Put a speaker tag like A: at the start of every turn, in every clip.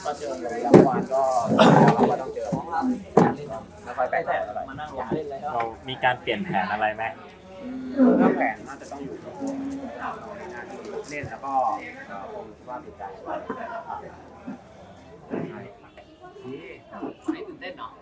A: ก็เจออย่างเมื่อวานก็เราก็ต้องเจอไม่ค่อยแปลกใจอะไรมานั่งเล่นเลยครับ
B: เรามีการเปลี่ยนแผนอะไรไหม
A: ถ้าแผนน่าจะต้องอยู่เล่นแล้วก็ผมคิดว่าติดใจว่าไม่ตื่นเต้นเนาะ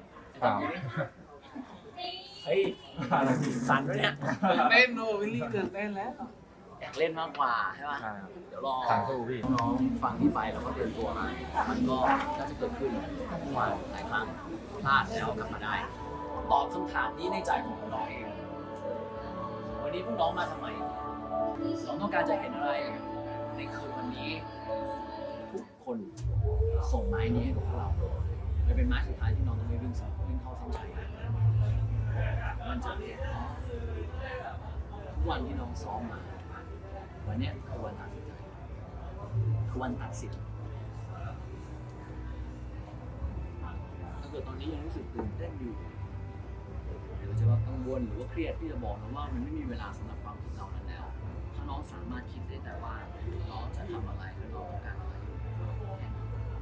A: เฮ้ยสั่นด้วยเนี่ยตื่นเต้นโอ้วิลลี่ตื่นเต้นแล้วอยากเล่นมากกว่าใช่ป่ะเดี๋ยวรอน้องฟังที่ไปแล้วก็เตรียมตัวมามันก็น่าจะเกิดขึ้นเมื่อวานหลายครั้งพลาดแล้วกลับมาได้ตอบคำถามนี้ในใจของน้องเองวันนี้พวกน้องมาทำไมน้องต้องการจะเห็นอะไรในคืนวันนี้ทุกคนส่งไม้นี้ให้พวกเราเลยเป็นไม้สุดท้ายที่น้องต้องไปวิ่งเข้าเส้นชัยมันจะทุกวันที่น้องซ้อมมาวันนี้คือวันตัดสินใจคือวันตัดสินถ้าเกิดตอนนี้ยังรู้สึกตื่นเต้นอยู่หรือจะว่ากังวลหรือว่าเครียดที่จะบอกนะว่ามันไม่มีเวลาสำหรับความคิดเหล่านั้นแล้วถ้าน้องสามารถคิดได้แต่ว่าน้องจะทำอะไรและน้องต้องการอะไรแค่นั้น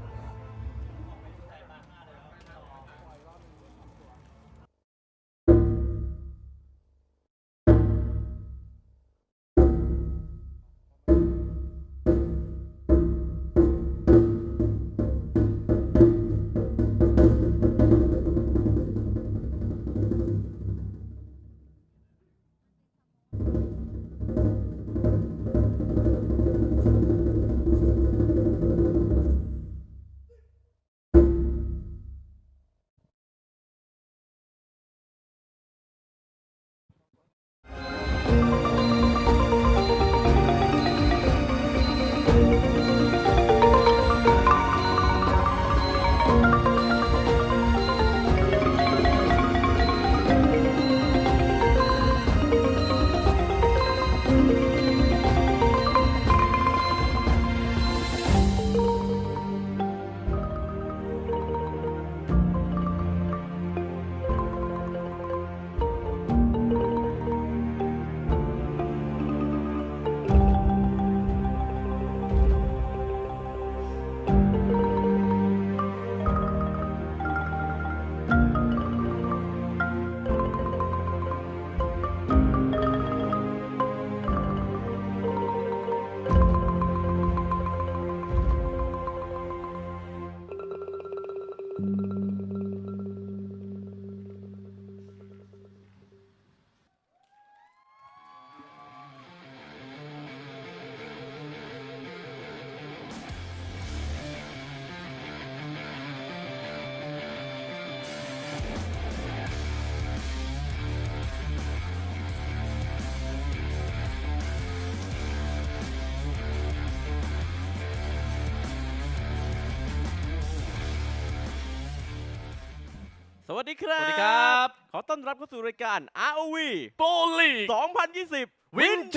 C: สวัสดีครับ
D: สวัสดีครับ
C: ขอต้อนรับเข้าสู่รายการ ROV
D: โปลีก
C: 2020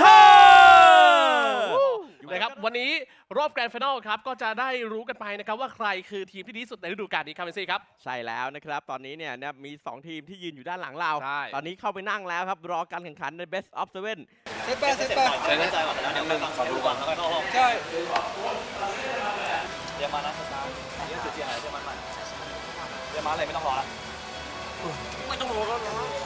C: Winter
D: นะครับวันนี้รอบแกรนด์ไฟนอลครับก็จะได้รู้กันไปนะครับว่าใครคือทีมที่ดีที่สุดในฤดูกาลนี้ครับเมซี่ครับ
C: ใช่แล้วนะครับ ตอนนี้เนี่ยมี 2 ทีมที่ยืนอยู่ด้านหลังเรา
D: ใช่
C: ตอนนี้เข้าไปนั่งแล้วครับ รอการแข่งขันใน Best of 7
A: เซตแปดเล่นใจก่อนแล้วเดี๋ยวไปฟังขอดูก่อนแล้วก็เข้าห้องใช่เดี๋ยวมานะสตาร์เดี๋ยวจุดเจียนอะไรเดี๋ยวมันเดี๋ยวมาอะไรไม่ต้องรอแล้วไม่ต้องรอแล้ว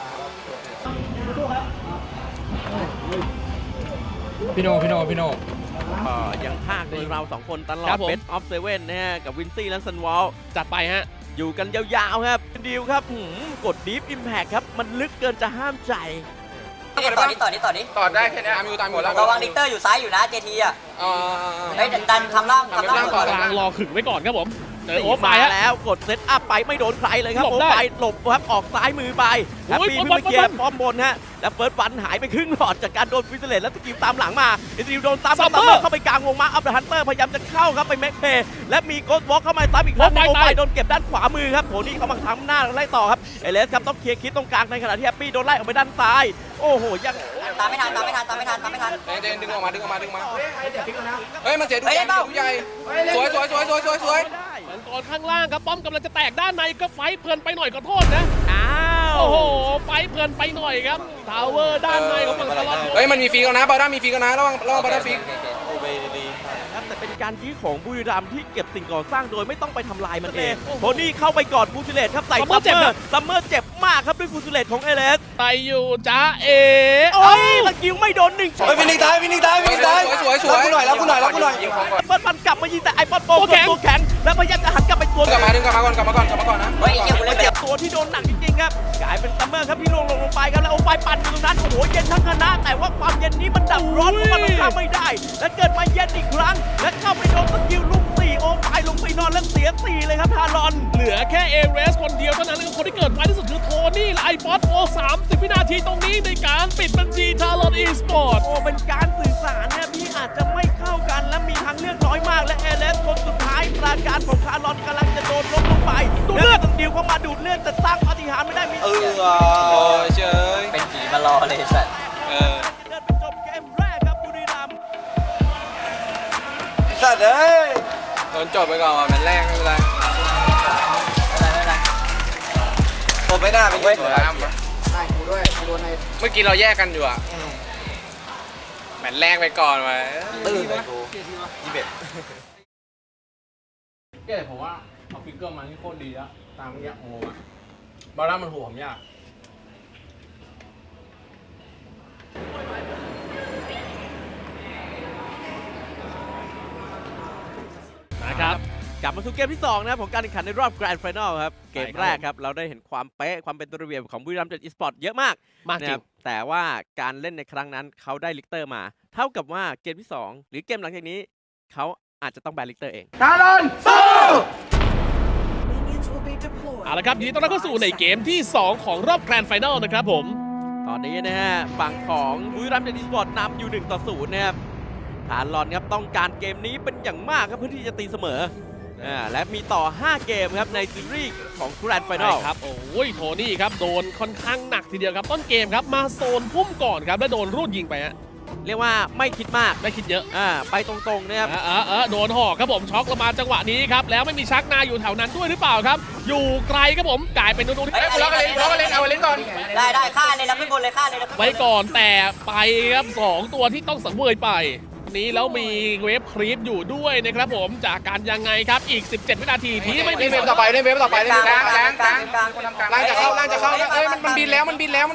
E: พี่โน
C: ยังภาคโดยเรา 2 คนตลอ
D: ครั
C: ด
D: บผม
C: Best of 7 นะฮะ กับวินซี่และซันวอล
D: จัดไปฮะ
C: อยู่กันยาวๆครับดีลครับกด Deep Impact ครับ มันลึกเกินจะห้ามใจ
F: ต่อนี้
E: ต่อได้แค่นี้อามิวตายหมดแล้ว
F: ระวังดิกเตอร์อยู่ซ้ายอยู่นะเจทีอ่ะเฮ้ยดันทำล่าง
E: ทำล่างก่อน
D: กลางรอขึงไว้ก่อนครับผมเจอโอ๊ตไป
C: มา
D: ฮะ
C: แล้วกดเซตอัพไปไม่โดนใครเลยครับ
D: หลบ
C: โอ้
D: ได้
C: ไปหลบครับออกซ้ายมือไปแฮปปี้
D: โอ้ย
C: เพิ่งไปเคลียร์
D: บอล
C: ป้อมบนฮะแล้วเฟิร์สวันหายไปครึ่งหลอดจากการโดนฟิสเลตแล้วสกิลตามหลังมาอิซิลโดนตาม
D: ซัมเมอร์
C: เข้าไปกลางวงมาอัพเดอะฮันเตอร์พยายามจะเข้าครับไปแม็กเพย์และมีโกสต์วอล์กเข้ามาซ้ำอีกครั้ง
D: โอ้
C: โอ้
D: ไป
C: ไปโดนเก็บด้านขวามือครับโหนี่เขามาทำหน้าไล่ต่อครับเอเลสครับต้องเคลียร์คิดตรงกลางในขณะที่แฮปปี้โดนไล่ออกไปด้านซ้ายโอ้โหยัง
F: ตามไม่ทัน
E: เจนดึงออกมาเฮ้ยมันเสียดูใหญ่ดูใหญ่สวย
C: ไม่ได้
D: มังกรข้างล่างครับป้อมกำลังจะแตกด้านในก็ไฟเพลินไปหน่อยขอโทษนะ
C: อ้าว
D: โอ้โหไฟเพลินไปหน่อยครับทาวเวอร์ด้านในของมังกร
E: เฮ้ยมันมีฟีกันนะบาด้ามีฟีกันนะระวังบาด้าฟี
C: แฮปแต่เป็นการยื้อของบุรีรัมย์ที่เก็บสิ่งก่อสร้างโดยไม่ต้องไปทำลายมันเองโทนี่เข้าไปกอดฟูซิเลตครับใส่ซัมเมอร์เจ็บมากครับด้วยฟูซิเลตของเอเลส
D: ไปอยู่จ้าเอ
C: โอ้ยสกิลไม่โดน1
E: เฮ้ยวินนิ่งตายสวยรับกูหน่อย
C: เปิ้ลมันกลับมายิงแต่ไอปอนโปตัวแข็งแล้วพยายามจะหันกลับไปตัว
E: กลับมาก่อนนะ
F: เฮ้ยเกี่ยวกูเลยเจ็บ
C: ตัวที่โดนหนักจริงๆครับกลายเป็นซัมเมอร์ครับที่ลงไปครับแล้วโอไฟปั่นอยู่ตรงนั้นโอ้โหเย็นทั้งคณะแต่ว่าความเย็นนี้มันดับร้อนเพราะมันข้ามไม่ได้และเกิดมาเย็นอีกครั้งและเข้าไปโดนสกิลลุก4โอไฟลงไปนอนแล้วเสีย4เลยครับทารอน
D: เหลือแค่เอเรสคนเดียวเท่านั้นและคนที่เกิดไวที่สุดคือโทนี่และไอป๊อตโอ30 วินาทีตรงนี้ในการปิดบัญชีทารอนอีสปอร์ต
C: โอ้เป็นการสื่อสารเนี่ยที่อาจจะไม่เข้ากันและมีทางเลือกน้อยมากและเอเลสคนสุดท้ายปราการของทารอนกำลังจะโดนล้มลงไปดูเลือดดิวเข้ามาดูดเลือดแต่สร้างปาฏิหาริย์ไม่ได้มี
E: โอ้ยเชย
F: เป็นผีมารอเลยสัตว์
C: เดินไปจบเกมแรกครับบุรีรัมย์
E: สัตว์เอ้ยโดนจบไปก่อนมันแรกไม่เป็นไรผมไม่น่าไปเว้ยเมื่อกี้เราแยกกันอยู่อะแมตช์แรกไปก่อนไว้ตื่นเลยกู
G: ก็แต่ผมว่าเอาฟิกเกอร์มาที่โคตรดีแล้วตามเงี้ยโอ้อะบอลล่ามันหัวผมยาก
D: นะครับ
C: กลับมาสู่เกมที่2นะครับของการแข่งขันในรอบแกรนด์ไฟนอลครับเกมแรกครับเราได้เห็นความเป๊ะความเป็นตัวระเบียบของบุรีรัมย์อีสปอร์ตเยอะมาก
D: จริง
C: แต่ว่าการเล่นในครั้งนั้นเขาได้ลิกเตอร์มา เท่ากับว่าเกมที่2หรือเกมหลังจากนี้เขาอาจจะต้องแบนลิกเตอร์เอง
D: เอาละครับยินดีต้อนรับเข้าสู่ในเกมที่ 2 ของรอบแกรนด์ไฟนอลนะครับผม
C: ตอนนี้นะฮะฝั่งของบุรีรัมย์อีสปอร์ตนำอยู่1-0นะครับฐานลอนครับต้องการเกมนี้เป็นอย่างมากครับเพื่อที่จะตีเสมอและมีต่อ5เกมครับในซีรีส์ของแกรนด์ไฟนอล
D: ครับโอ้ยโทนี่ครับโดนค่อนข้างหนักทีเดียวครับต้นเกมครับมาโซนพุ่มก่อนครับแล้วโดนรูดยิงไปฮะ
C: เรียกว่าไม่คิดมาก
D: ไม่คิดเยอะ
C: ไปตรงๆนะครับ
D: โดนหอกครับผมช็อกลงมาจังหวะนี้ครับแล้วไม่มีชักนาอยู่แถวนั้นด้วยหรือเปล่าครับอยู่ไกลครับผมกลายเป็นนูน
E: เฮ้ยล็อกกันเล่นเอาเล่นก่อน
F: ได้ฆ่าเลยนะขึ้นบนเลยฆ่าเลยนะ
D: ไว้ก่อนแต่ไปครับ2ตัวที่ต้องสังเวยไปนี้แล้วมีเวฟครีปอยู่ด้วยนะครับผมจากการยังไงครับอีก17 วินาทีที่ไม่มี
E: เล่นเวฟต่อไปเล่นกลางล่างจะเข้าเอ้ยมันบินแล้ว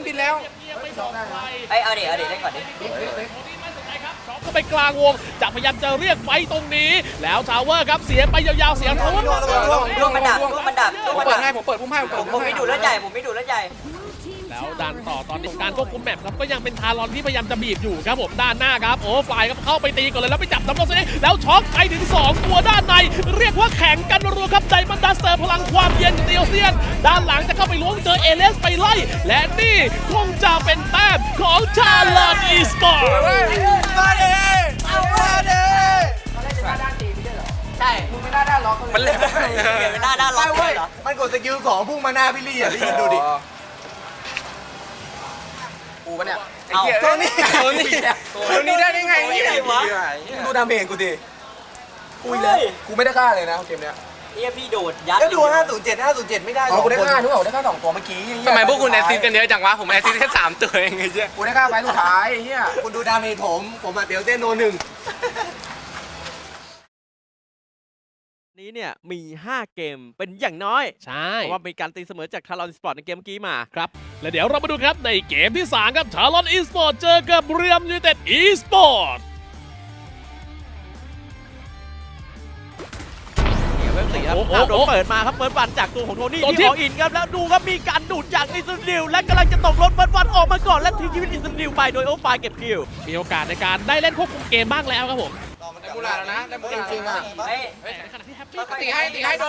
F: ไอ้เอาดิเล่นก่อนดิ
D: ก็ไปกลางวงจะพยายามจะเรียกไฟตรงนี้แล้วทาวเวอร์ครับเสียไปยาวๆเสียทาวเวอร์
F: ร่วงมันดับ
E: ผมเปิดให้ผมเปิดพุ่มให้
F: ผมไม่ดูเลือดใหญ่
D: แล้วดันต่อตอนนี้การควบคุมแมปครับก็ยังเป็นทารอนที่พยายามจะบีบอยู่ครับผมด้านหน้าครับโอ้ฟลายครับเข้าไปตีก่อนเลยแล้วไปจับน้ำมันเซนแล้วช็อกไปถึง2ตัวด้านในเรียกว่าแข่งกันรัวครับไดมอนด์ดัสเตอร์พลังความเย็นเตียวเซียนด้านหลังจะเข้าไปล้วงเจอเอเลสไปไล่และนี่คงจะเป็นแต้มของทารอนอีสปอร์ต
F: ใช่มึงไม่น่าล็อกมันเลยไม่น่าล็อกเลยเหรอ
E: มันกดสกิล2พุ่งมาหน้าพี่ลี่อ่ะพี่ยินดูดิกูปะเนี่ยตัวนี้ได้ไงดูดาเมจกูดิกูเลยกูไม่ได้ฆ่าเลยนะเกมเนี้ย
F: พี่โดดยัด
E: ก็ดู507ไม่ได้กูได้ฆ่าทุกคนได้ฆ่า2ตัวเมื่อกี้ทำไมพวกคุณแอสซิสกันเยอะจังวะผมแอสซิสแค่3ตัวเองไงเจ๊กูได้ฆ่าไฟสุดท้ายเฮียคุณดูดาเมจผมเดี๋ยวเต้นโน1
C: นี้เนี่ยมี 5 เกมเป็นอย่างน้อย
D: ใช่
C: เพราะว่ามีการตีเสมอจากทารอนสปอร์ตในเกมเมื่อกี้มา
D: ครับและเดี๋ยวเรามาดูครับในเกมที่ 3 ครับทารอนอีสปอร์ตเจอกับบุรีรัมย์ยูไนเต็ดอีสปอร์ต
C: เว็บ4ครับโดนเปิดมาครับเปิดวันจากตัวของโทนี่ที่ออินครับแล้วดูครับมีการดูดจากอิสราเอลและกำลังจะตกรถเปิดวันออกมาก่อนและทิ้งชีวิตอิสราเอลไปโดยโอไฟเก็บคิว
D: มีโอกาสในการได้เล่นควบคุมเกมบ้างแล้วครับผม
E: ได้มูลาแล้วนะได้มูลาจริงอ่ะ
D: ขณะที่แฮปปี้
E: ตีให้โดน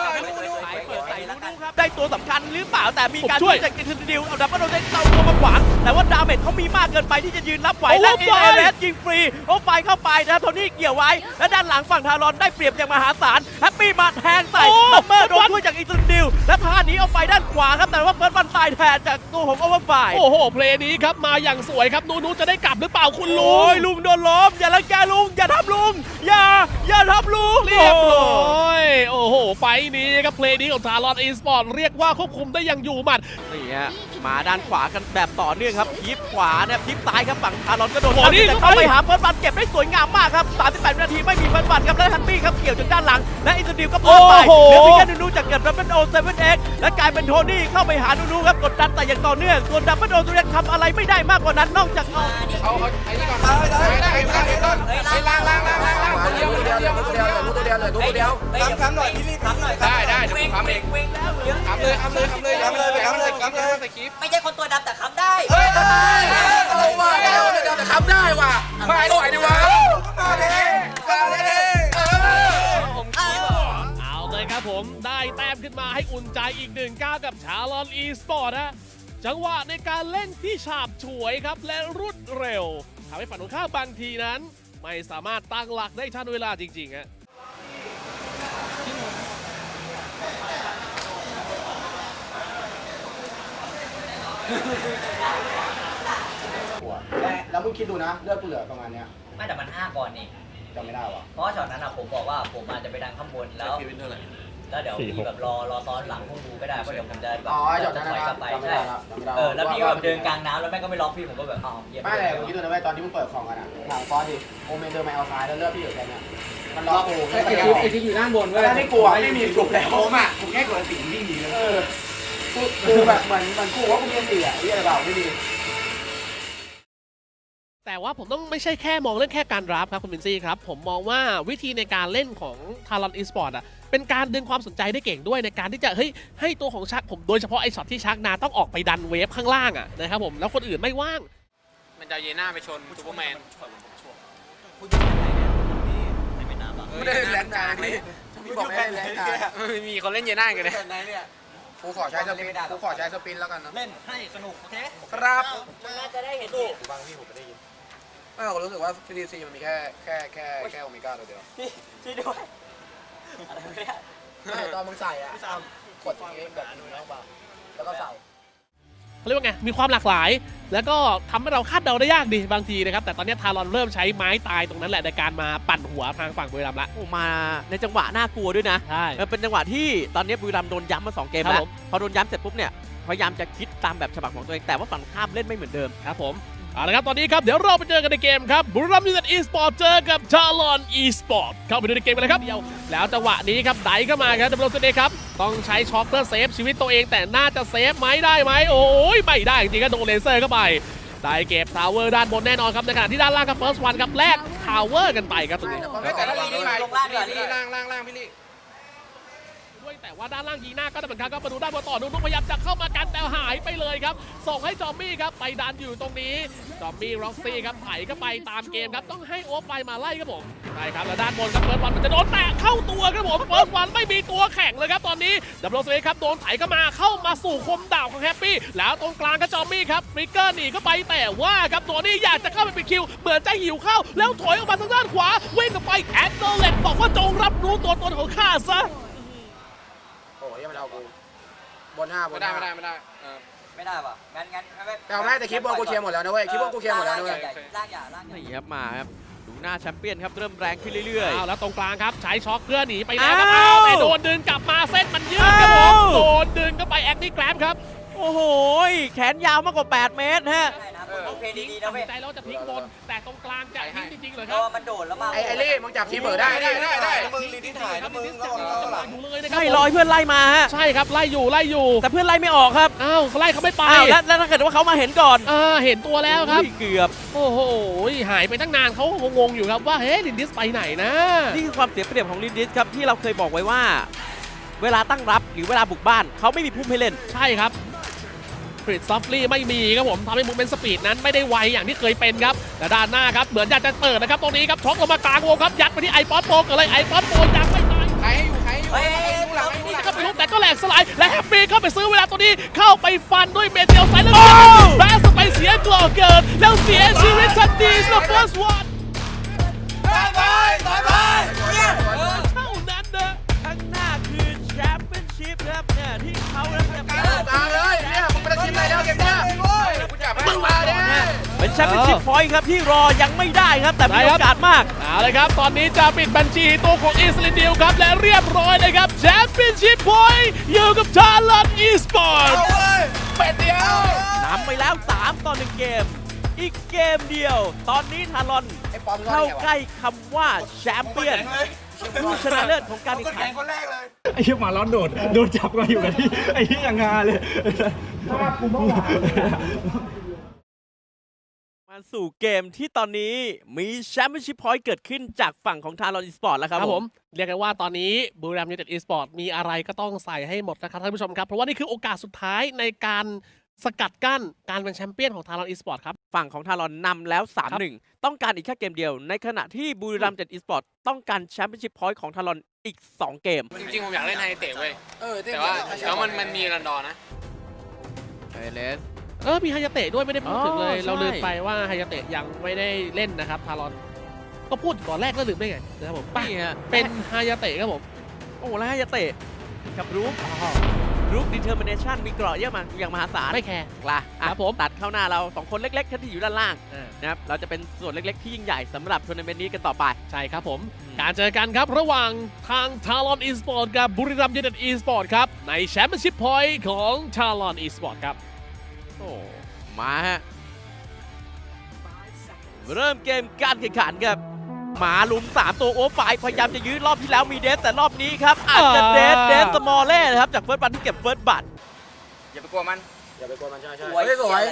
C: ได้ตัวสำคัญหรือเปล่าแต่มีการช่วยจากอิสราเอลเอาดับเบิลโดนเตาตัวมาขวางแต่ว่าดาเมจเขามีมากเกินไปที่จะยืนรับไหวและเอเลสยิงฟรีโอไฟเข้าไปนะโทนี่เกี่ยวไว้และด้านหลังฝั่งทารอนได้เปรียบอย่างมหาศาลแฮปปี้มาแทงใส่ซัมเมอร์โดนช่วยจากอิสราเอลและพาหนีออกไปด้านขวาครับแต่ว่าเฟิร์สวันตายแทนจากตัวของโอเวอร์ไฟ
D: โอ้โหเพลย์นี้ครับมาอย่างสวยครับนูจะได้กลับหรือเปล่าคุณลุ
C: โอ้
D: ง
C: ยลุงโดนล้มอย่าลังแกลุงอย่าทำลุงอย่าทำลุง
D: เรียบร้อยโอ้โหไฟนี้ครับเพลย์นี้ของทารอนอีสปอร์ตเรียกว่าควบคุมได้อย่างอยู่หมัด
C: นี่ฮะมาด้านขวากันแบบต่อเนื่องครับทิปขวาเนี่ยทิปซ้ายครับฝั่งทารอนก็โดน
D: โอ้โหนี่
C: แต่เข้าไปหาเฟิร์สบัตเก็บได้สวยงามมากครับ38วินาทีไม่มีเฟิร์สบัตครับและฮันตี้ครับเกี่ยวจนด้านหลังและอินเตอร์ดิวก็พลาดไปเหลือเพียงแค่นูจากเกิดดับเบิลโอเซเว่นเอ็กและกลายเป็นโทนี่เข้าไปหานูครับกดดันแต่อย่างต่อเนื่องส่วนดับเบิลโอตัวเล็กทำอะไรไม่ได้มากกว่านั้นนอกจากเอา
E: เอาไอ้นี่ก่อนไปล้างคนเดียวตัวเดียวคำหน่อยพี่รีบคำหน่อยได้เดี๋ยวผมคำเองคำเลยใส่คลิป
F: ไม่ใช่คนตัวดำแต่คำได้
E: เฮ้ยเอาว่ะแต่คำได้ว่ะไม่ไหวดิวะมาเลย
F: ผมคิดว่า
D: เอาเลยครับผมได้แต้มขึ้นมาให้อุ่นใจอีก1 ก้าวกับชาลอนอีสปอร์ตนะจังหวะในการเล่นที่ฉาบฉวยครับและรวดเร็วทำให้ฝั่งตรงข้ามบางทีนั้น ไม่สามารถตั้งหลักได้ทันเวลาจริงๆฮะ
E: แล้วมึงคิดดูนะเลือดกูเหลือประมาณเนี้ย
F: ไม่แต่มัน5ก่อนนี่
E: จำไม่ได้ว่ะ
F: เพราะว่าช็อตนั้นผมบอกว่าผมอาจจะไปดังข้างบนแล้วเดี๋ยวพี่แบบรอซ้อนหลังพวกดูก็ได้เพราะเดี๋ยวผมจะแบบถอยกลับไปใช่แล้วพี่แบบเดินกลางน้ำแล้วแม่งก็ไม่ล็อกพี่ผมก็แบบเยี่ยม
E: ไม่เลยมึงคิดดูนะเว้ยตอนที่มึงเปิดของกันอ่ะถามฟอสดิโอเมนเดินมาเอาซ้ายแล้วเลือดพี่อยู่แค่นี้มันล็อกกูไอ้ที่อยู่ด้านบนเว้ยแล้วที่กูไม่มีถูกแล้วผมอ่ะกูแค่กดติ่งวิ่งหนีเลยกูแบบเหมือนกูว่ากูมีเสียไอ้อะไรเปล่าไม่ดี
D: แต่ว่าผมต้องไม่ใช่แค่มองเรื่องแค่การรับครับคุณบินซี่ครับผมมองว่าวิธีในการเล่นของทารอนอีสปอร์ตอ่ะเป็นการดึงความสนใจได้เก่งด้วยในการที่จะให้ตัวของชักผมโดยเฉพาะไอ้ช็อตที่ชักนาต้องออกไปดันเวฟข้างล่างอ่ะนะครับผมแล้วคนอื่นไม่ว่าง
G: มันจะเยน่าไปชนซูเปอร์แมน
E: ไม่ได้แรงกลางนี่พี่บอกไม่ได้แรงกลาง
G: มีคนเล่นเยน่ากันเลย
E: กูขอใช้สปินแล้วกันนะ
F: เล่นให้สนุกโอเค
E: ครับ
F: น่าจะได้เห็นดู
E: บางพี่ผมไม่ได้ยินไม่ผมรู้สึกว่า CDC มันมีแค่โอเมก้าตัวเดียว
F: พี่ด้วยอะไรไม่ได้
E: ไม่ตอนมึงใส่อ่ะกดอย่างงี้แบบนี้แล้วเปล่าแล้วก็ใส่
D: เขาเรียกว่าไงมีความหลากหลาย แล้วก็ทำให้เราคาดเดาได้ยากดีบางทีนะครับแต่ตอนนี้ทารอนเริ่มใช้ไม้ตายตรงนั้นแหละในการมาปั่นหัวทางฝั่งบุรีรัมย์ละ
C: โอ้มาในจังหวะน่ากลัวด้วยนะ
D: ใช่
C: เป็นจังหวะที่ตอนนี้บุรีรัมย์โดนย้ำมา2 เกม
D: ครับ
C: แล้ว
D: ผม
C: พอโดนย้ำเสร็จปุ๊บเนี่ยพยายามจะคิดตามแบบฉบับของตัวเองแต่ว่าฝั่งข้ามเล่นไม่เหมือนเดิม
D: ครับผมเอาละครับตอนนี้ครับเดี๋ยวเราไปเจอกันในเกมครับบุรีรัมย์ยูไนเต็ดอีสปอร์ตเจอกับทารอนอีสปอร์ตเข้าไปดูในเกมกันเลยครับเดียวแล้วจังหวะนี้ครับไดเข้ามาครับดับเบิลเซเดครับต้องใช้ช็อคเพื่อเซฟชีวิตตัวเองแต่น่าจะเซฟไหมได้ไหมโอ้ยไม่ได้จริงๆก็โดนเลเซอร์เข้าไปได้เก็บทาวเวอร์ด้านบนแน่นอนครับในขณะที่ด้านล่างครับเฟิร์สวันครับแลกทาวเวอร์กันไปครับตรงนี้
E: แต่ละนี่ไปพี่ล่างพี่ลี่
D: ด้วยแต่ว่าด้านล่างยีน่าก็ได้เหมือนกันครับมาดูด้านบนต่อนุ๊กพยายามจะเข้ามากันแต่หายไปเลยครับส่งให้จอมมี่ครับไปดันอยู่ตรงนี้จอมมี่ร็อกซี่ครับไถก็ไปตามเกมครับต้องให้โอฟไฟมาไล่ครับผมใช่ครับแล้วด้านบนครับเฟิร์สวันมันจะโดนแตะเข้าตัวครับผมเฟิร์สวันไม่มีตัวแข็งเลยครับตอนนี้ดับเบิลเซเว่นครับโดนไถเข้ามาสู่คมดาบของแฮปปี้แล้วตรงกลางก็จอมมี่ครับฟลิกเกอร์หนีเข้าไปแต่ว่าครับตัวนี้อยากจะเข้าไปปิดคิวเหมือนจะหิวเข้าแล้วถอยออกมาทางด้านขวาวิ่งออกไปแอดโนเลตบอกว่าจงรับรู้ตัวตนของข้าซะ
E: โอ้ยมันเอากูบน5ไม่ได้
F: ไม่ได้ป่ะงั้น
E: แต่เอาไม่แต่คลิปบอลกูเคลียร์หมดแล้วนะเว้ยคลิปบอลกูเคลียร์หมดแล้วนะเว้ย
F: ล่างอย่า
C: นี่ครับมาครับดูหน้าแชมเปี้ยนครับเริ่มแรงขึ้นเรื่อย
D: แล้วตรงกลางครับใช้ช็อคเพื่อหนีไปแล้วครับ
C: อ้าว
D: แต่โดนดึงกลับมาเส้นมันยืดครับผม
C: อ้าว
D: โดนดึงก็ไปแอคนี่แกร็บครับ
C: ๆ โอ้โหแขนยาวมากกว่า8 เมตรฮะ
F: ได้นะโอเคดีๆนะ
D: ตัด
F: เว้
D: สิ
F: ย
D: นใจแล้วจะพลิกบนแต่ตรงกลางจะทิ้งจริงๆเลย
F: เพ
D: ครั
F: ราะ
D: บ
F: ว่ามันโดดแล้วมา
E: ไอ้เล่มึงจับคีเบอร์ได้
D: มึงรีดิถ่ายนะมึงอยู่เลยนะครั
C: ไม่รอให้เพื่อนไล่มาฮะ
D: ใช่ครับไล่อยู่
C: แต่เพื่อนไล่ไม่ออกครับ
D: อ้าวไล่เขาไม่ไป
C: อ้าวแล้วถ้าเกิดว่าเขามาเห็นก่อน
D: เห็นตัวแล้วครับ
C: อุ้ยเกือบ
D: โอ้โหหายไปตั้งนานเขางงๆอยู่ครับว่าเฮ้ยลินดิสไปไหนนะ
C: นี่คือความเสียเปรียบของลินดิสครับที่เราเคยบอกไว้ว่า เวลาตั้งรับหรือเวลาบุกบ้านเขาไม่มีพุ่มให้เล่น
D: ใช่ครับฟริดซอฟลี่ไม่มีครับผมทำให้มูเมนต์สปีดนั้นไม่ได้ไวอย่างที่เคยเป็นครับแต่ด้านหน้าครับเหมือนอยากจะเปิดนะครับตรงนี้ครับช็อกลงมากลางวงครับยัดไปที่ไอป๊อตโปกันเลยไอป๊อตโปยังไม่ตาย
E: ใครอยู่ดูหลัง
D: นี่ก็ไปลุกแต่ก็แหลกสลายและแฮปปี้เข้าไปซื้อเวลาตัวนี้เข้าไปฟันด้วยเมเทลไซเลอร์แบสไปเสียกล่อเกินแล้วเสียชีวิตทันทีสำหรับเฟิร์สวันเท่านั้นนะ
C: ข้างหน้าคือแชมเปี้ยนชิพครับเนี่ยที่เขาแล้วจะ
E: กลางเลยเนี่ยมึงเป็นทีมไหนแล้วเกมเนี้ยกูจับมึงมาดิ
C: เป็นแชมเปี้ยนชิพพอยต์ครับที่รอยังไม่ได้ครับแต่มีโอกาสมาก
D: เอาเลยครับตอนนี้จะปิดบัญชีตัวของอิสลิดิวครับและเรียบร้อยเลยครับแชมเปี้ยนชิพพอยต์อยู่กับทารอนอีสปอร์ต
C: นำไปแล้ว3-1 เกม อีกเกมเดียว ตอนนี้ทารอนเข้าใกล้คำว่าแชมเปี้ยนผู้ชนะเลิศของการแข่งขัน
B: ไอ้เหี้ยหมาร้อนโดนจับมาอยู่กับที่ไอ้เหี้ยยังงาเลย
C: มาสู่เกมที่ตอนนี้มีแชมเปี้ยนชิพพอยต์เกิดขึ้นจากฝั่งของทารอนอีสปอร์ตแล้วครับ
D: ครับผมเรียกกันว่าตอนนี้บุรีรัมย์ยูไนเต็ดอีสปอร์ตมีอะไรก็ต้องใส่ให้หมดนะครับท่านผู้ชมครับเพราะว่านี่คือโอกาสสุดท้ายในการสกัดกั้นการเป็นแชมเปี้ยนของทารอนอีสปอร์ตครับ
C: ฝั่งของทารอนนำแล้ว 3-1 ต้องการอีกแค่เกมเดียว ในขณะที่บุรีรัมย์อีสปอร์ตต้องการแชมเปี้ยนชิพพอยต์ของทารอนอีก 2 เกม
G: จริงๆผมอยากเล่นไฮเตะเว้ยแต่ว่าแล้วมันมีรันดอร์นะ
D: มีฮายาเตะด้วยไม่ได้พูดถึงเลย
C: อ๋อใช่
D: เราลืมไปว่าฮายาเตะยังไม่ได้เล่นนะครับทารอนก็พูดก่อนแรกแล้วลืมได้ไงนะครับผม
C: นี่ฮะ
D: เป็นฮายาเตะครับผม
C: โอ้แล้วให้ยาเตะกับรูปดีเทอร์มิเนชันมีเกราะเยอะมากอย่างมหาศาล
D: ไม่แคร์
C: ล่ะ
D: ครับผม
C: ตัดเข้าหน้าเรา 2 คนเล็กๆที่อยู่ด้านล่างนะครับเราจะเป็นส่วนเล็กๆที่ยิ่งใหญ่สำหรับทัวร์นาเมนต์นี้กันต่อไป
D: ใช่ครับผมการเจอกันครับระหว่างทางทารอนอีสปอร์ตกับบุรีรัมย์ยูไนเต็ดอีสปอร์ตครับในแชมเปี้ยนชิพพอยต์ของทารอนอีสปอร์ตครับ
C: โอ้มาฮะเริ่มเกมการแข่งขันครับหมาลุม3 ตัวโอ้ฝ่ายพยายามจะยื้อรอบที่แล้วมีเดสแต่รอบนี้ครับอาจจะเดสสมอลเล่นะครับจากเฟิร์สบัตที่เก็บเฟิร์สบัต
G: อย่าไปกลัวมัน
E: อย่าไปกลัวมันใช่
F: สวยสวย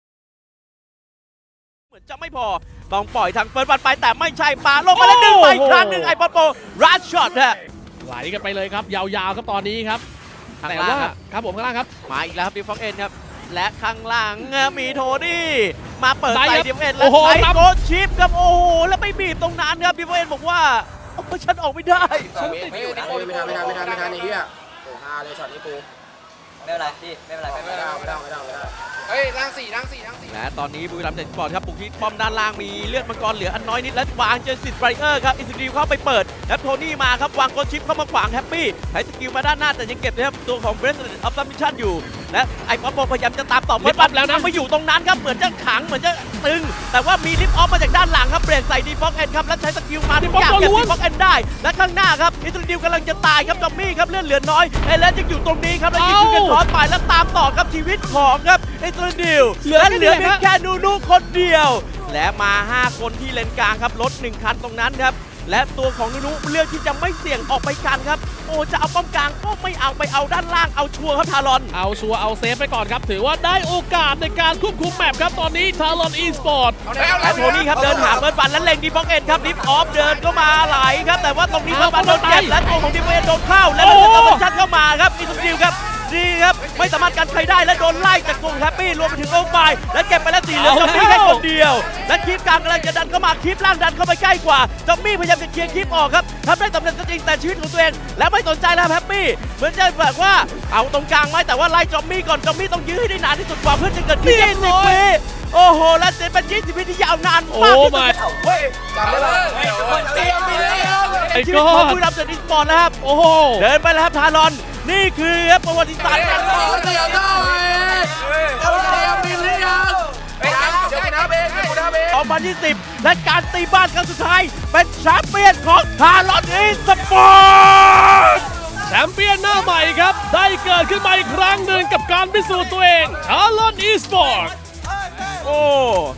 C: เหมือนจะไม่พอต้องปล่อยทางเฟิร์สบัตไปแต่ไม่ใช่ปาลงมาแล้วดึงไปอีกครั้งหนึ่งไอปอนโปรัชช็อตฮะ
D: ไหลกันไปเลยครับยาวๆครับตอนนี้ครับ
C: ข้าง
D: แต่
C: ล่าง
D: ว่า
C: ครับ
D: ครับผมข้างล่างครับ
C: มาอีกแล้วครับดิฟฟองเอ็นครับและข้างล่างมีโทนี่มาเปิด
D: ได้
C: ใส่
D: ครับ
C: ดิฟฟองเอ็น
D: โอ้
C: แล้ว
D: โห
C: ใช้
D: ครับ
C: โกชิปครับโอ้โหแล้วไม่บีบตรงนั้นครับดิฟฟองเอ็นบอกว่าโอ้ฉันออกไม่ได้
E: ไม่ทันไอ้เหี้ยโอ้ฮาเลยช็อตนี้กู
F: ไม่เป็นไรพี่ไม่เป็นไรไม่
E: ไม่
F: เป็นไร
E: ได้
G: เฮ้ยร่างสี่
C: และตอนนี้บุรีรัมย์เต็ดสปอร์ตครับปุกที่ป้อมด้านล่างมีเลือดมังกรเหลืออันน้อยนิดและวางเจอสิทธิ์ไบรเออร์ครับอินสติวเข้าไปเปิดแล้วโทนี่มาครับวางโกชิปเข้ามาขวางแฮปปี้ใช้สกิลมาด้านหน้าแต่ยังเก็บนะครับตัวของเบรสต์ออฟซัมมิชชั่นอยู่และไอ้ป๊อปโปพยายามจะตามต่อเพื่อนปั๊บแล้วนะมาอยู่ตรงนั้นครับเหมือนจะขังเหมือนจะตึงแต่ว่ามีลิฟต์ออฟมาจากด้านหลังครับเบรกใส่ดีฟอกเอ็นครับแล้วใช้สกิลมาทุกอย่างเก็บดีฟอกเอ็นได้และข้างหน้าครับอินสติวกำลังจะตายครับจอมมี่ครับเลือดเหลือน้อยเอเลนยังอยู่ตรงนี้ครับแล้วยิงกันร้อนไปแล้วตามต่อครับชีวิตของครับอินสติวและเหลือเพียงแค่นูคนเดียว และมา 5 คนที่เลนกลางครับรถ1 คันตรงนั้นครับและตัวของนูเลือกที่จะไม่เสี่ยงออกไปกันครับโอ้จะเอาป้อมกลางก็ไม่เอาไปเอาด้านล่างเอาชัวร์ครับทารอน
D: เอาชัวร์เอาเซฟไปก่อนครับถือว่าได้โอกาสในการควบคุมแมปครับตอนนี้ทารอนอีสปอร์ต
C: และโทนี่ครับเดินหาเบิร์ดบันและเล็งดีฟอกเอ็นครับดิฟออฟเดินเข้ามาไหลครับแต่ว่าตรงนี้เบิร์ดบันโดนเก็บและตัวของดิฟเอ็นโดนเข้าและโดนเอาชัดเข้ามาครับอินสติลครับดีครับไม่สามารถกันใครได้และโดนไล่จากกลุ่มแฮปปี้รวมไปถึงโอไฟและเก็บไปแล้ว4เหลือจอมมี่แค่คนเดียวและคลิปกลางกำลังจะดันเข้ามาคลิปล่างดันเข้าไปใกล้กว่าจอมมี่พยายามจะเคลียร์คลิปออกครับทำได้สำเร็จก็จริงแต่ชีวิตของตัวเองและไม่สนใจแล้วแฮปปี้เหมือนจะแบบว่าเอาตรงกลางไหมแต่ว่าไล่จอมมี่ก่อนจอมมี่ต้องยื้อให้ได้นานที่สุดกว่าเพื่อจะเกิดที่20 วิโอ้โหและเจ็บเป็น20 วิที่ยาวนานมากที่สุด
E: เฮ้ยจำได้ป่ะ
D: ไอ้
C: ชี
D: ก้
C: วิต
D: อ
C: ของ
D: น
C: บุรีรัมย์เดอะสปอร์ตนะครับ
D: โอ้โห
C: เดินไปแล้วครับทารอนนี่คือครับประวัติศาสตร์การต่อ2020และการตีบ้านครั้งสุดท้ายเป็นแชมเปี้ยนของทารอนอีสปอร์ต
D: แชมเปี้ยนหน้าใหม่ครับได้เกิดขึ้นมาอีกครั้งหนึ่งกับการพิสูจน์ตัวเองทารอนอีสปอร์ต
C: โอ้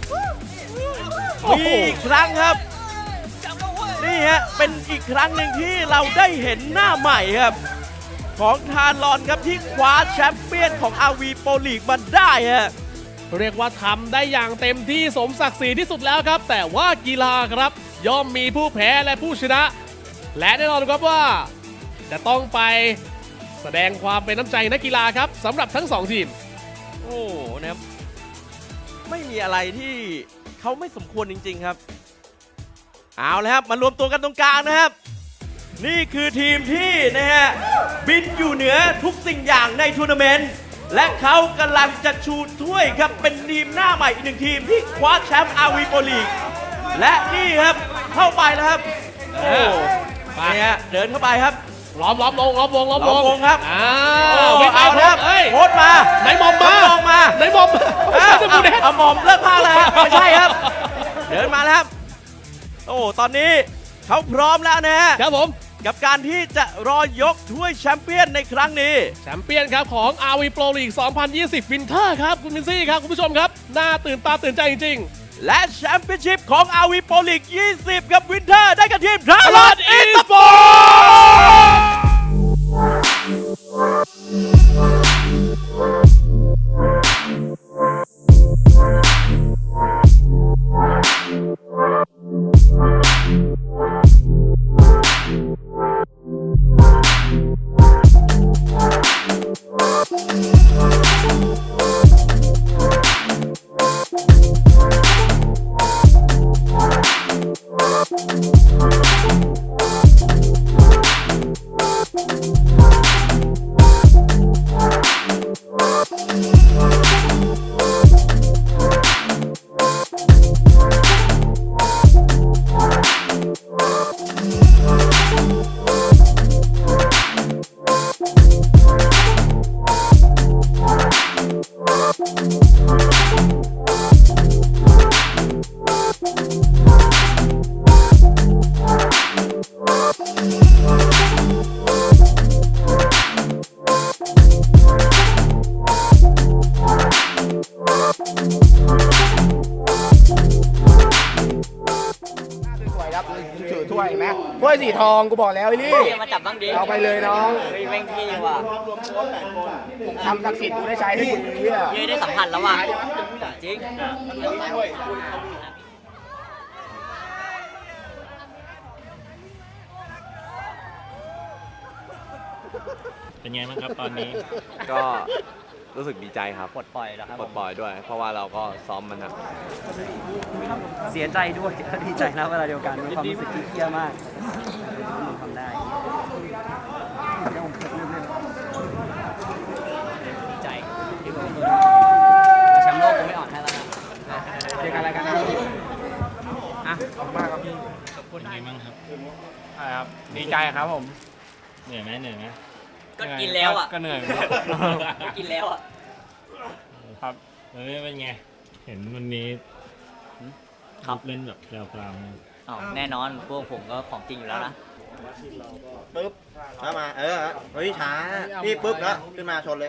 C: มีอีกครั้งครับนี่ฮะเป็นอีกครั้งหนึ่งที่เราได้เห็นหน้าใหม่ครับของทารอนครับที่คว้าแชมเปี้ยนของ RV Pro League มาได้ฮะ
D: เรียกว่าทำได้อย่างเต็มที่สมศักดิ์ศรีที่สุดแล้วครับแต่ว่ากีฬาครับย่อมมีผู้แพ้และผู้ชนะ และแน่นอนครับว่าจะต้องไปแสดงความเป็นน้ำใจนักกีฬาครับสำหรับทั้ง2ทีม
C: โอ้นะครับไม่มีอะไรที่เขาไม่สมควรจริงๆครับเอาเลยครับมารวมตัวกันตรงกลางนะครับนี่คือทีมที่นะฮะบินอยู่เหนือทุกสิ่งอย่างในทัวร์นาเมนต์และเขากำลังจะชูถ้วยครับเป็นทีมหน้าใหม่อีก1 ทีมที่คว้าแชมป์ RV Pro League และนี่ครับเข้าไปแล้วครับโอ้นี่ฮะเดินเข้าไปครับ
D: ล้อมวง
C: ล้อมวงครับ
D: เอาแล้ว
C: โค้ดมา
D: ไหนหมอมมา
C: ลองมา
D: ไหนหมอม
C: เอาหมอมเลิกพากแล้วฮะไม่ใช่ครับ เดินมาแล้วครับโอ้ตอนนี้เขาพร้อมแล้วนะฮะ
D: ครับผม
C: กับการที่จะรอยกถ้วยแชมเปี้ยนในครั้งนี้
D: แชมเปี้ยนครับของ RV Pro League 2020 Winter ครับคุณมินซี่ครับคุณผู้ชมครับน่าตื่นตาตื่นใจจริงๆ
C: และแชมเปี้ยนชิพของ RV Pro League 20 กับวินเทอร์ได้กับทีมทารอนอีสปอร์ต
E: สวยครับถือถ้วยไหมถ้วยสีทองกูบอกแล้วไอ้ลี่
F: มาจับบ้างดิ
E: เอาไปเลยน้อง
F: เฮ้ยแม่งเท่ว่ะ
E: ทำศักดิ์สิทธิ์กูได้ใช้ให้คุณเนี่ย
F: เย้ได้สัมผัสแล้วว่ะจริง
B: เป็นไงบ้างครับตอนนี้
H: ก็รู้สึกดีใจครับ
F: ปลดปล่อยแล้วครับ
H: ปลดปล่อยด้วย เพราะว่าเราก็ซ้อมมันหนัก
A: เสียใจด้วยดีใจนะเวลาเดียวกันมีความรู้สึกที่เครียดมากทำได้ดีใจที่ผมแชมป์โลกผมไม่อ่อนให้แล้วนะ
E: เจอกันอะไรกันนะอ่ะขอบคุณมากครับพี่
B: เป็นไงบ้างครับ
G: ใช่ครับ ดีใจครับผม
B: เหนื่อยไหม
F: ก็กินแล้วอ่ะ
G: ก็เหนื่อย
F: ก็กินแล้วอ่ะ
G: ครับ
B: แล้วเป็นไง เห็นวันนี้
F: ครับ
B: เล่นแบบแพรวๆนะ
F: อ้าวแน่นอนพวกผมก็ของจริงอยู่แล้วนะ
I: ปึ๊บแล้วมาเฮ้ยช้าพี่ปึ๊บแล้วขึ้นมาชนเลย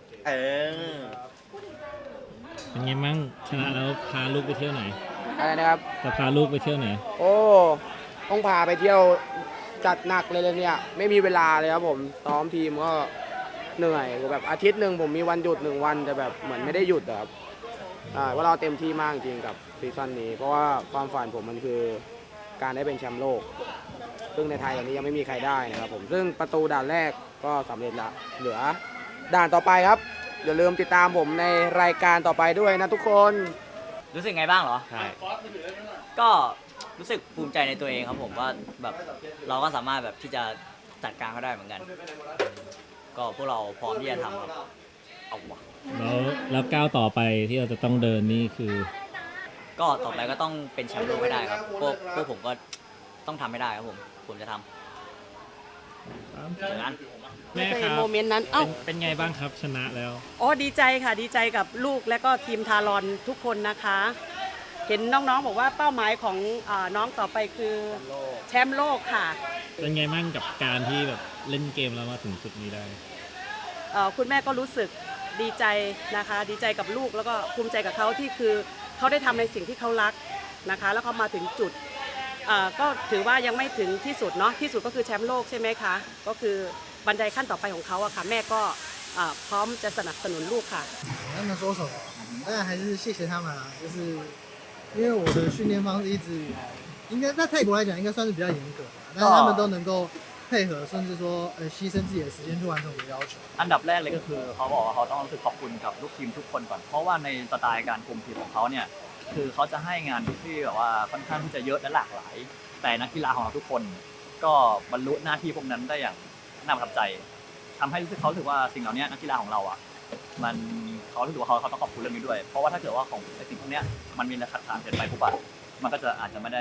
B: เป็นไงบ้างชนะแล้วพาลูกไปเที่ยวไหน
E: อะไรนะครับ
B: จะพาลูกไปเที่ยวไหน
E: โอ้ต้องพาไปเที่ยวจัดหนักเลยเนี่ย ไม่มีเวลาเลยครับผมซ้อมทีมก็เหนื่อยแบบอาทิตย์หนึ่งผมมีวันหยุด1 วันแต่แบบเหมือนไม่ได้หยุดอะครับว่าเราเต็มที่มากจริงกับซีซั่นนี้ เพราะว่าความฝันผมมันคือการได้เป็นแชมป์โลก ซึ่งในไทยอย่างนี้ยังไม่มีใครได้นะครับผมซึ่งประตูด่านแรกก็สำเร็จละเหลือด่านต่อไปครับอย่าลืมติดตามผมในรายการต่อไปด้วยนะทุกคน
F: รู้สึกไงบ้างเหรอ
B: ใช่
F: ก็รู้สึกภูมิใจในตัวเองครับผมว่าแบบเราก็สามารถแบบที่จะจัดการเขาได้เหมือนกัน ก็พวกเราพร้อมที่จะทำครับเอาวะ
B: แล้วก้าวต่อไปที่เราจะต้องเดินนี่คือ
F: ก็ต่อไปก็ต้องเป็นแชมป์โลกให้ได้ครับพวกผมก็ต้องทำให้ได้ครับผมจะทำเจอกัน
B: แม่ครับ
J: โมเมนต์นั้น เอ้า
B: เป็นไงบ้างครับชนะแล้ว
J: อ๋อ ดีใจค่ะ ดีใจกับลูกและก็ทีมทารอนทุกคนนะคะ เห็นน้องๆบอกว่าเป้าหมายของน้องต่อไปคือแชมป์โลกค่ะ
B: เป็นไงบ้างกับการที่แบบเล่นเกมแล้วมาถึงจุดนี้ได้
J: คุณแม่ก็รู้สึกดีใจนะคะ ดีใจกับลูกแล้วก็ภูมิใจกับเขาที่คือเขาได้ทำในสิ่งที่เขารักนะคะ แล้วเขามาถึงจุดก็ถือว่ายังไม่ถึงที่สุดเนาะ ที่สุดก็คือแชมป์โลกใช่ไหมคะ ก็คือบันไดขั้นต่อไปของเขาอะค่ะ แม่ก็พร้อมจะสนับสนุนลูกค่ะ
K: 他们说什么？当然还是谢谢他们啊，就是因为我的训练方式一直应该在泰国来讲应该算是比较严格的，但是他们都能够配合，甚至说牺牲自己的时间去完成我的要求。
A: อันดับแรกเลยก็คือเขาบอกว่าเขาต้องรู้สึกขอบคุณกับลูกทีมทุกคนก่อน เพราะว่าในสไตล์การคุมทีมของเขาเนี่ยคือเขาจะให้งานที่แบบว่าค่อนข้างที่จะเยอะและหลากหลาย แต่นักกีฬาของเราทุกคนก็บรรลุหน้าที่พวกนั้นได้อย่างน่าประทับใจทำให้เขารู้สึกว่าสิ่งเหล่านี้นักกีฬาของเราอ่ะมันเขารู้สึกว่าเขาต้องขอบคุณเรื่องนี้ด้วย เพราะว่าถ้าเกิดว่าของไอ้สิ่งพวกนี้มันมีขัดขานเกินไปปุ๊บอะมันก็จะอาจจะไม่ได้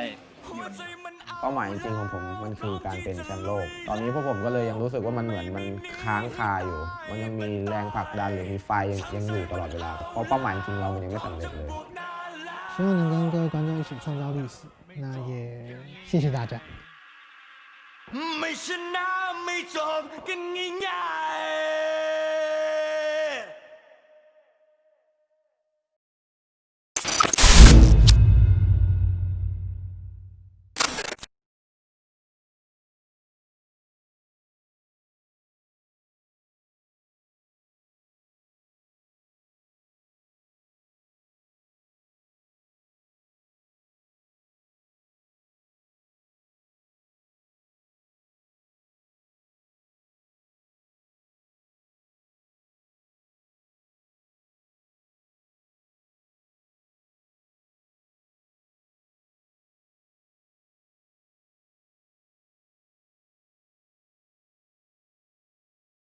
E: เป้าหมายจริงๆของผมมันคือการเป็นแชมป์โลกตอนนี้พวกผมก็เลยยังรู้สึกว่ามันเหมือนมันค้างคาอยู่มันยังมีแรงผลักดันหรือมีไฟยังอยู่ตลอดเวลาเพราะเป้าหมายจริงเรามันยังไม่สำเร็จเลย
K: 希望能跟各位观众一起创造历史，那也谢谢大家。
C: ไม่ชนะไม่จบกันง่าย